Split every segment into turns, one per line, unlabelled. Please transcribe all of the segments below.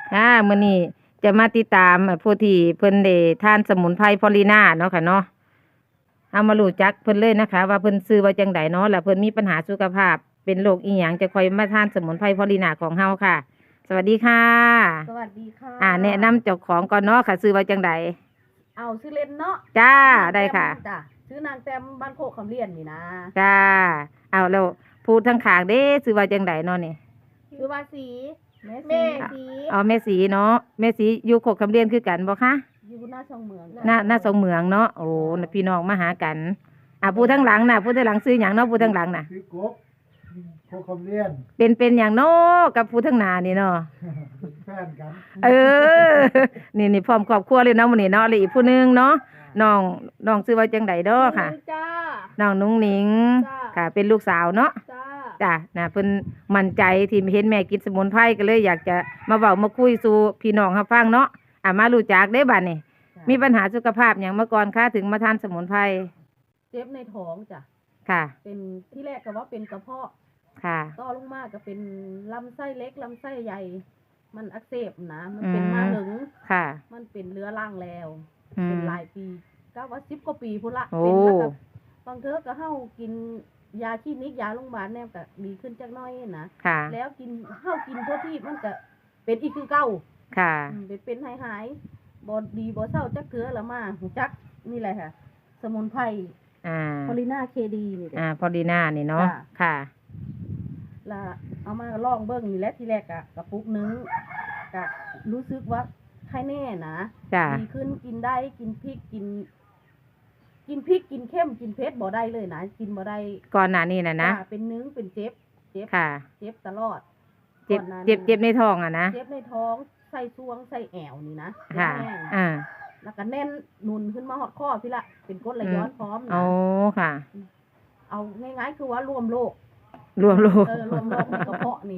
มื้อนี้จะมาติดตามผู้ที่เพิ่นได้ทานสมุนไพรพอลีนาเนาะค่ะเนาะเอามารู้จักเพิ่นเลยนะคะ ว่าเพิ่นชื่อว่าจังไดเนาะแล้วเพิ่นมีปัญหาสุขภาพเป็นโรคอีหยังจะคอยมาทานสมุนไพรพอลีนาของเฮาค่ะ สวัสดีค่ะ
สวัสดีค่ะ
แนะนำเจ้าของก่อนเนาะค่ะชื่อว่าจังได
เอาชื่อเล่นเนาะ
จ้า
ชื่อนาง
ได้ค่ะ
จ้ะชื่อนางแต้มบ้านโคกคำเลียนนี่นะ
จ้าเอาแล้วพูดทั้งขางเด้ชื่อว่าจังไดเนาะนี่
ชื่อว่าสีแม่สี
แม่สีเนาะแม่สีอยู่โคกคำเรียนคือกันบ่คะ
อยู่หน้าช่องเมือง
หน้าสองเมืองเนาะโอ้พี่น้องมาหากันผู้ทั้งหลังน่ะผู้ทั้งหลังซื้อหยังเนาะผู้ทั้งหลังน่ะ
คือกบโคคำเลียน
เป็นอย่างเนาะกับผู้ทั้งหน้านี่เนาะ
เป็นแฟนกัน
นี่พร้อมครอบครัวเลยเนาะมื้อนี้เนาะแล้วอีกผู้หนึงเนาะน้องชื่อว่าจังไดเด้อค่ะ
จ้า
น้องนุ้งหนิงค่ะเป็นลูกสาวเนาะจ้าน่ะเพิ่นมั่นใจที่เห็นแม่กินสมุนไพรก็เลยอยากจะมาเว้ามาคุยสู่พี่น้องรับฟังเนาะมารู้จักได้บัดนี้มีปัญหาสุขภาพหยังมาก่อนคะถึงมาทานสมุนไพร
เจ็บในท้องจ้ะ
ค่ะ
เป็นที่แรกก็ว่าเป็นกระเพาะ
ค่ะ
ต่อลงมาก็เป็นลำไส้เล็กลำไส้ใหญ่มันอักเสบนะมันเป็นมาหลึง
ค่ะ
มันเป็นเรื้อรังแล้ว
เป็
นหลายปีก็ว่า10 กว่าปีพุ่นละ
เป็น
แล้วก็บางเทอก็เฮากินยาคลินิกยาโรงพยาบาลแนมก็ดีขึ้นจักหน่อยนะแล้วเฮากินทั่วที่มันก็เป็นอีกคือเก่า
ค่ะ
เป็นหายบ่ดีบ่เศร้าจักเทื่อละมาจักนี่แหละค่ะสมุนไพรพอลีนาเคดีนี่
พอลีนานี่เนาะค่ะ
แล้วเอามาลองเบิ่งนี่แหละที่แรกกระปุกนึงก็รู้สึกว่าใครแน่นะดีขึ้นกินได้กินพริกกินพริกกินเข้มกินเผ็ดบ่ได้เลยนะกินบ่ได้
ก่อนหน้านี้นะ
เป็นนึงเป็นเจ็บ
ค่ะ
เจ็บตลอด
เจ็บในท้องนะ
เจ็บในท้องใส่ซวงใส่แอวนี่นะ
ค่ะ
แล้วก็แน่นนุนขึ้นมาหอดข้อพี่ละเป็นกรดไหลย้อนพร้อมนะ
โอ้ค่ะ
เอาง่ายๆคือว่ารวมโรค
รวมโรค
ในกระเพาะนี่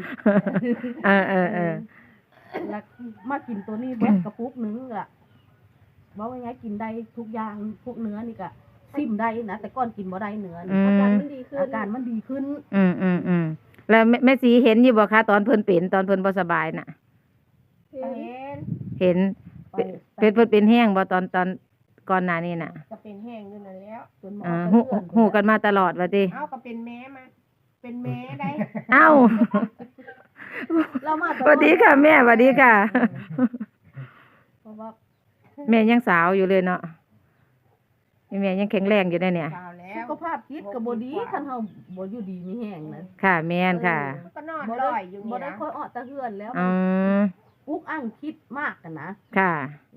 แล้วมากินตัวนี้เบิดกระปุกนึงอะว่าง่ายๆกินได้ทุกอย่างพวกเนื้อนี่ก็ซิมได้นะแต่ก่อนกินบ่ได้เนื้ออาการมันดีขึ้น
แล้วแม่สีเห็นอยู่บ่คะตอนเพิ่นบ่สบายน่ะเห็นเป็นแห้งบ่ตอนก่อนหน้านี้น่ะ
ก็เป็นแห้งอยู่นั่นแล้วจนหมอ
ฮู้กันมาตลอดว่าติ
ก็เป็นแม่มาเป็นแม่ได้
เรามาสวัสดีค่ะแม่สวัสดีค่ะ
เพราะว่า
แม่ยังสาวอยู่เลยเนาะแม่ยังแข็งแรงอยู่ได้เนี่ย
สุขภาพจิตก็บ่ดีคันเฮาบ่อยู่ดีมีแห้งนะ
ค่ะแม่นค่ะ
ก็นอนลอยอยู่นี่นะบ่ได้ค่อยออกตะเฮือนแล้วอุกอั้งคิดมากกันนะ
ค่ะ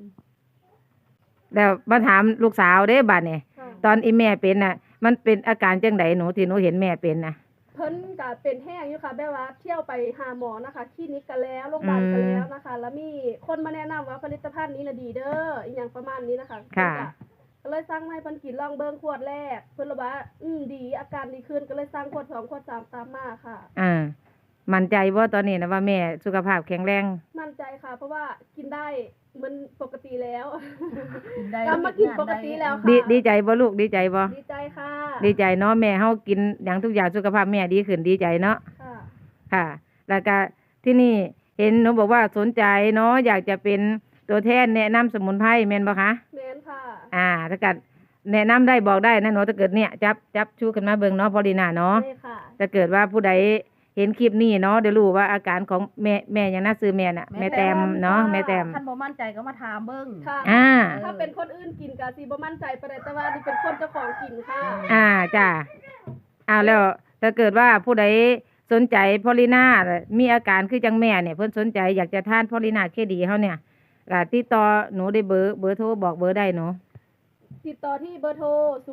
แล้วมาถามลูกสาวเด้บัดนี้ตอนอีแม่เป็นน่ะมันเป็นอาการจังไดหนูที่หนูเห็นแม่เป็นน่ะ
เพิ่นก็เป็นแห้งอยู่ค่ะแบบว่าเที่ยวไปหาหมอนะคะคลินิกกันแล้วโรงพยาบาลกันแล้วนะคะแล้วมีคนมาแนะนำว่าผลิตภัณฑ์นี้น่ะดีเด้ออีหยังประมาณนี้นะคะ
ค่ะ
ก็เลยสั่งให้เพิ่นกินลองเบิ่งขวดแรกเพิ่นว่าดีอาการดีขึ้นก็เลยสั่งขวด2ขวด3ตามมาค่ะ
มั่นใจว่าตอนนี้นะว่าแม่สุขภาพแข็งแรง
มั่นใจค่ะเพราะว่ากินได้มันปกติแล้วกลับมากินปกติแล้วค่ะ
ดีใจบ่ลูกดีใจบ่
ดีใจค่ะ
ดีใจเนาะแม่เฮากินอย่างทุกอย่างสุขภาพแม่ดีขึ้นดีใจเนาะค่ะแล้วก็ที่นี่เห็นหนูบอกว่าสนใจเนาะอยากจะเป็นตัวแทนแนะนำสมุนไพรแม่นบ่คะ
แม่นค่ะ
ถ้าเกิดแนะนำได้บอกได้นะหนูถ้าเกิดเนี่ยจับชูขึ้นมาเบิ่งเนาะพอลีนาเนาะถ้าเกิดว่าผู้ใดเห็นคลิปนี้เนาะเดี๋ยวรู้ว่าอาการของแม่ยังน่าซื้อแม่น่ะแม่แต้มเนาะแม่แต้ม
ท่านบ่มั่นใจก็มาถามเบิ่ง
ค่ะถ้าเป็นคนอื่นกินก็สิบ่มั่นใจปานใดแต่ว่านี่เป็นคนเจ้าของกินค่ะ
จ้าแล้วถ้าเกิดว่าผู้ใดสนใจพอลีนามีอาการคือจังแม่เนี่ยเพิ่นสนใจอยากจะทานพอลีนาเคดีเฮาเนี่ยก็ติดต่อหนูได้เบอร์โทรบอกเบอร์ได้หนู
ติดต่อที่เบอร์โทร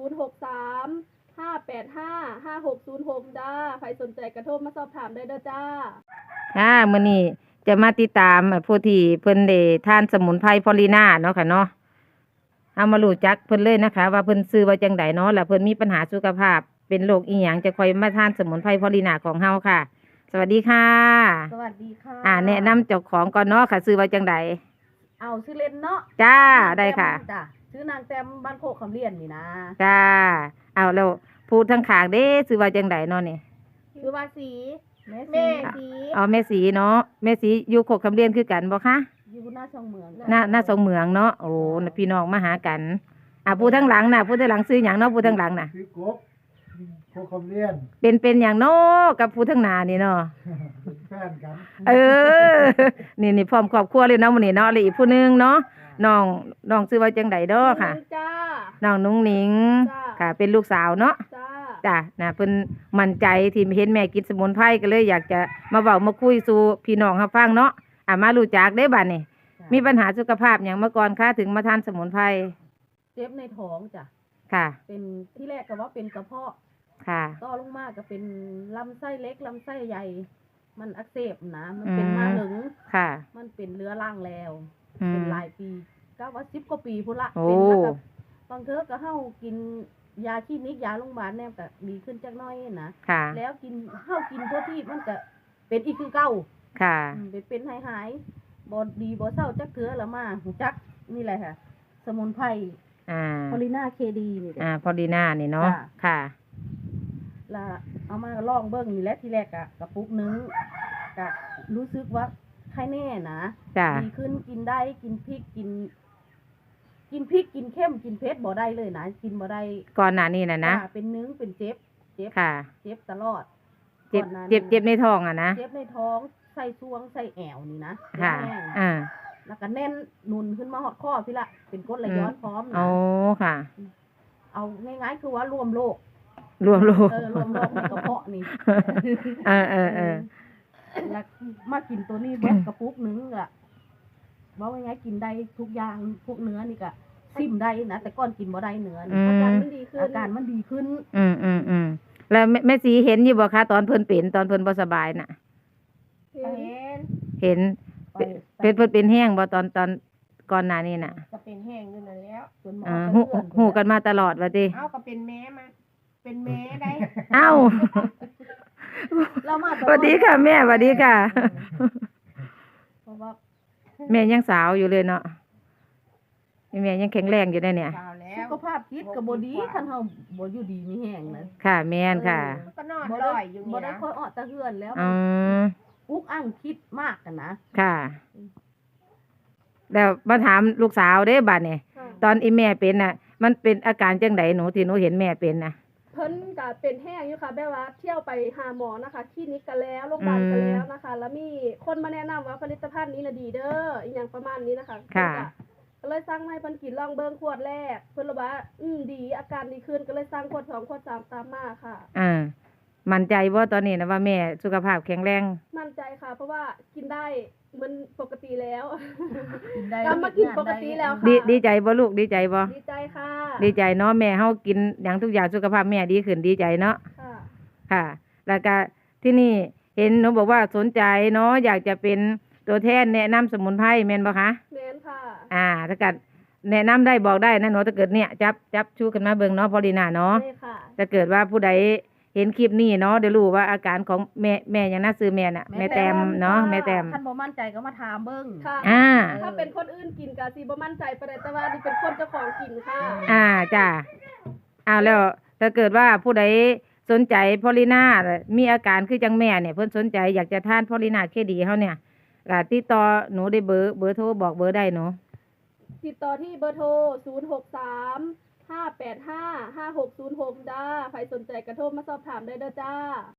063-585-5606จ้าใครสนใจกระโทรมาสอบถามได้เด้อจ้า
มื้อนี้จะมาติดตามผู้ที่เพิ่นได้ทานสมุนไพรพอลีนาเนาะค่ะเนาะเอามารู้จักเพิ่นเลยนะคะว่าเพิ่นชื่อว่าจังไดเนาะแล้วเพิ่นมีปัญหาสุขภาพเป็นโรคอีหยังจะคอยมาทานสมุนไพรพอลีนาของเฮาค่ะสวัสดีค่ะ
สวัสดีค่ะ
แนะนำเจ้าของก่อนเนาะค่ะชื่อว่าจังได
เอาชื่อเล่นเนาะ
จ้าได้ค่ะ
ชื่อนางแต้มบ้านโคกคำเลียนนี่นะ
จ้าเอาแล้วพูดทั้งขางเด้ชื่อว่าจังไดเนาะนี่
ชื่อว่าสี
แ
แม่
สี
อ๋อแม่สีเนาะแม่สีอยู่โคกคำเรียนคือกันบ่คะ
อยู่หน้าช่องเมือง
หน้าสองเหมืองเนาะโอ้น่ะพี่น้องมาหากันผู้ทั้งหลังน่ะผู้ทั้งหลังซื้อหยังเนาะผู้ทั้งหลังน่ะ
คือกบโคคำเรียน
เป็นหยังเนาะกับผู้ทั้งหน้านี่เนาะ
เป็นแฟนกัน
เออ นี่พร้อมครอบครัวเลยเนาะมื้อนี้เนาะแล้วอีกผู้หนึงเนาะน้องชื่อว่าจังไดเด้อค่ะ
จ้า
น้องนุ้งหนิง
จ้า
ค่ะ เป็นลูกสาวเนาะ
จ้า
จ้ะนะเพิ่นมั่นใจที่เห็นแม่กินสมุนไพรก็เลยอยากจะมาเว้ามาคุยสู่พี่น้องรับฟังเนาะมารู้จักได้บัดนี้มีปัญหาสุขภาพหยังมาก่อนคะถึงมาทานสมุนไพร
เจ็บในท้องจ้ะ
ค่ะ
เป็นที่แรกก็ว่าเป็นกระเพาะ
ค่ะ
ต่อลงมาก็เป็นลำไส้เล็กลำไส้ใหญ่ มันอักเสบนะมันเป็นมาหลึง
ค่ะ
มันเป็นเรื้อรังแล้ว
อื
เป็น
ม
หลายปีก็ว่า10กว่าปีพุ่นละ
โอ้
เป็นมากับบางเทอก็เฮากินยาคลินิกยาโรงพยาบาลแนมก็ดีขึ้นจักหน้อยนะ
ค่ะ
แล้วเฮากินทั่วที่มันก็เป็นอีกคือเก่า
ค่ะ
เป็นหายบ่ดีบ่เศร้าจักเทื่อละมาหูจักนี่แหละค่ะ สมุนไพร พอลิน่าเคดีนี่แหละ
พอดีหน้านี่เนาะ
ค่ะ
ค่ะ
แล้วเอามาลองเบิ่งนี่แหละที่แรกอะกระปุกนึงก็รู้สึกว่าใครแน่นะ
จ้ะ
ดีขึ้นกินได้กินพริกกินพริกกินเข้มกินเผ็ดบ่ได้เลยนะกินบ่ได้
ก่อนหน้านี้น่ะนะ
จ้เป็นนึงเป็นเจ็บ
ค่ะ
เจ็บตลอด
เจ็บ
ก่อนหน้านั้น
เจ็บในท้องอ่ะนะ
เจ็บในท้องใส่ซวงใส่แอวนี่นะ
ค่ะ
แห้ง
อ่า
แล้วก็แน่นหนุนขึ้นมาหอดข้อพี่ละเป็นกรดไหลย้อนพร้อมนะ
โอ้ค่ะ
เอาง่ายๆคือว่ารวมโรค
รวมโลก
รวมโรคในกระเพาะนี่
เออ
แล้วมากินตัวนี้เบิดกระปุกนึงอะว่าง่ายๆกินได้ทุกอย่างพวกเนื้อนี่ก็ซิมได้นะแต่ก่อนกินบ่ได้เนื้อ
อื
นี่
ม
อาการมันดีขึ้น
อาการมันดีขึ้น
แล้วแม่สีเห็นอยู่บ่คะตอนเพิ่นเป็นตอนเพิ่นบ่สบายน่ะ เห็น
ไป
เพิ่นเป็นแห้งบ่ตอนก่อนหน้านี้น่ะ
ก็เป็นแห้งอยู่นั่นแล้ว
จนหมอ
หู
เตือน
หูกันมาตลอดว่าติ
เอาก็เป็นแม่มา เป็นแม่ได้
เอ้า
เรามา
สวัสดีค่ะแม่สวัสดีค่ะ
เพราะว่า
แม่ยังสาวอยู่เลยเนาะแม่ยังแข็งแรงอยู่ได้เนี่ย
เปล่าแล้
สุ
ว
ขภาพจิตก็บ่ดีคันเฮาบ่อยู่ดีมีแห้งนะ
ค่ะแม่นค่ะ
ก็นอน
บ่
ล
ได้
อยอยู่
บ่
นี่
ได้
นะ
ค่อยออกตะเฮือนแล้ว
อืม
อุกอั้งคิดมากกันนะ
ค่ะแล้วมาถามลูกสาวเด้บัดเนี่ย
ค่ะ
ตอนอีแม่เป็นน่ะ มันเป็นอาการจังไดหนูที่หนูเห็นแม่เป็นน่ะ
เพิ่นก็เป็นแห้งอยู่ค่ะแบบว่าเที่ยวไปหาหมอนะคะคลินิกกันแล้วโรงพยาบาลกันแล้วนะคะ แล้วมีคนมาแนะนำว่าผลิตภัณฑ์นี้น่ะดีเด้ออีหยังประมาณนี้นะคะ
ค่ะ
ก็เลยสั่งมาให้เพิ่นกินลองเบิ่งขวดแรกเพิ่นเลยว่าดีอาการดีขึ้นก็เลยสั่งขวด2ขวด3ตามมาค่ะ
มั่นใจว่าตอนนี้นะว่าแม่สุขภาพแข็งแรง
มั่นใจค่ะ เพราะว่ากินได้เหมือนปกติแล้ว
กินได้
กลับมากินปกติแล้วค่ะ
ดีใจบ่ลูกดีใจบ่
ดีใจค่ะ
ดีใจเนาะแม่เฮากินอย่างทุกอย่างสุขภาพแม่ดีขึ้นดีใจเนาะ
ค่ะ
ค่ะ แล้วก็ที่นี่เห็นหนูบอกว่าสนใจเนาะอยากจะเป็นตัวแทนแนะนำสมุนไพรแม่นบ่คะ
แม่นค่ะ
ถ้าเกิดแนะนำได้บอกได้นะหนูถ้าเกิดเนี่ยจับชูกันมาเบิ่งเนาะพอลีน่าเนาะ
ใช่ค่ะ
ถ้าเกิดว่าผู้ใดเห็นคลิปนี้เนาะเดี๋ยวรู้ว่าอาการของแม่อย่างน่าซื้อแม่น่ะแม่แตมเนาะแม่แตม
ท่านบ่มั่นใจก็มาถามเบิ่ง
ค่ะ
อ่า
ถ้าเป็นคนอื่นกินก็สิบ่มั่นใจปานใดแต่ว่านี่เป็นคนเจ้าของกินค่ะ
จ้าแล้วถ้าเกิดว่าผู้ใดสนใจพอลีน่ามีอาการคือจังแม่เนี่ยเพิ่นสนใจอยากจะทานพอลีน่าเคดีเฮาเนี่ยก็ติดต่อหนูได้เบอร์โทรบอกเบอร์ได้หนู
ติดต่อที่เบอร์โทร 063 585 5606 จ้า ใครสนใจกระโทรมาสอบถามได้เด้อจ้า